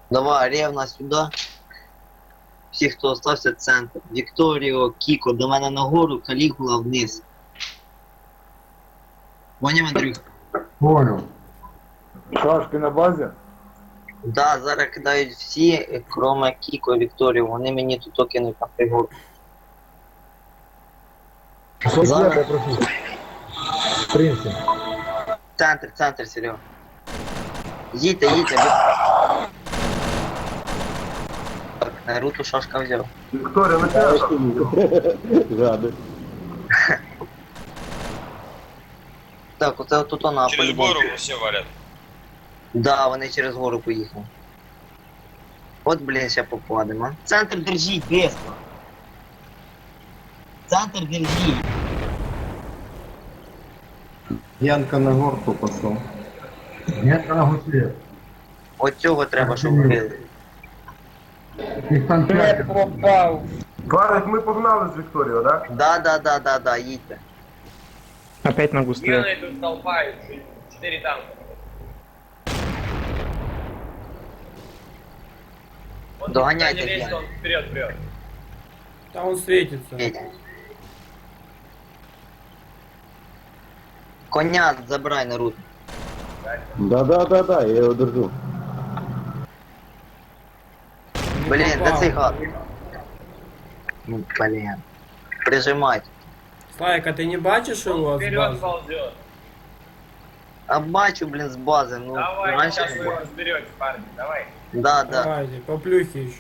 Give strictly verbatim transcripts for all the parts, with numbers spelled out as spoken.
Давай, Ревна сюди. Всі, хто остався, центр. Вікторіо, Кіко, до мене нагору, Калігула вниз. Поняв, Андрюх? Понял. Шаш, ти на базі? Да, зараз кидають всі, кроме Кіко і Вікторію. Вони мені тут кинуть на пригорку. Что Зара. я прошу? В принципе. Центр, центр, Серега. Їдьте, їдьте. Так, Наруту шашка взяв. Вікторія, на тебе. Жади. Так, оце тут вона Через по-любому. гору все валят. Да, вони через гору поїхали. От, блін, ще попадемо. Центр держіть, бесно. Центр держіть. Янка на горку пошел. Нет, на гусле. От цього треба, щоб вбили. Их там пять. Варик, ми погнали з Вікторією, да? Да, да, да, да, да, їдьте. Опять на густле. Гены тут толпа, четыре танка. Вот Догоняйте, не лезь, Гены. он вперед, вперед. Да он светится. Їдьте. Коня забирай на рут. Да-да-да-да, я его держу. Блін, де попав. цей гад? Ну, блін. Прижимайте. Слайк, а ты не бачишь его с Вперед базы? ползет. А бачу, блін, з бази, ну, Давай, раніше сейчас не вы було. его разберете, парни, давай. Да, да. Давайте, по плюхе еще.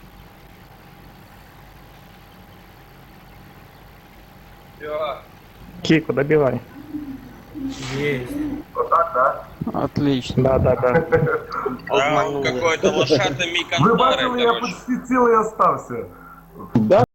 Все. Кику, добивай. Есть. Отак, да? Отлично. Да, да, да. А, Обманули. какой-то лошадный Ви миконтары, бачили, я короче. почти цілий остався. Да,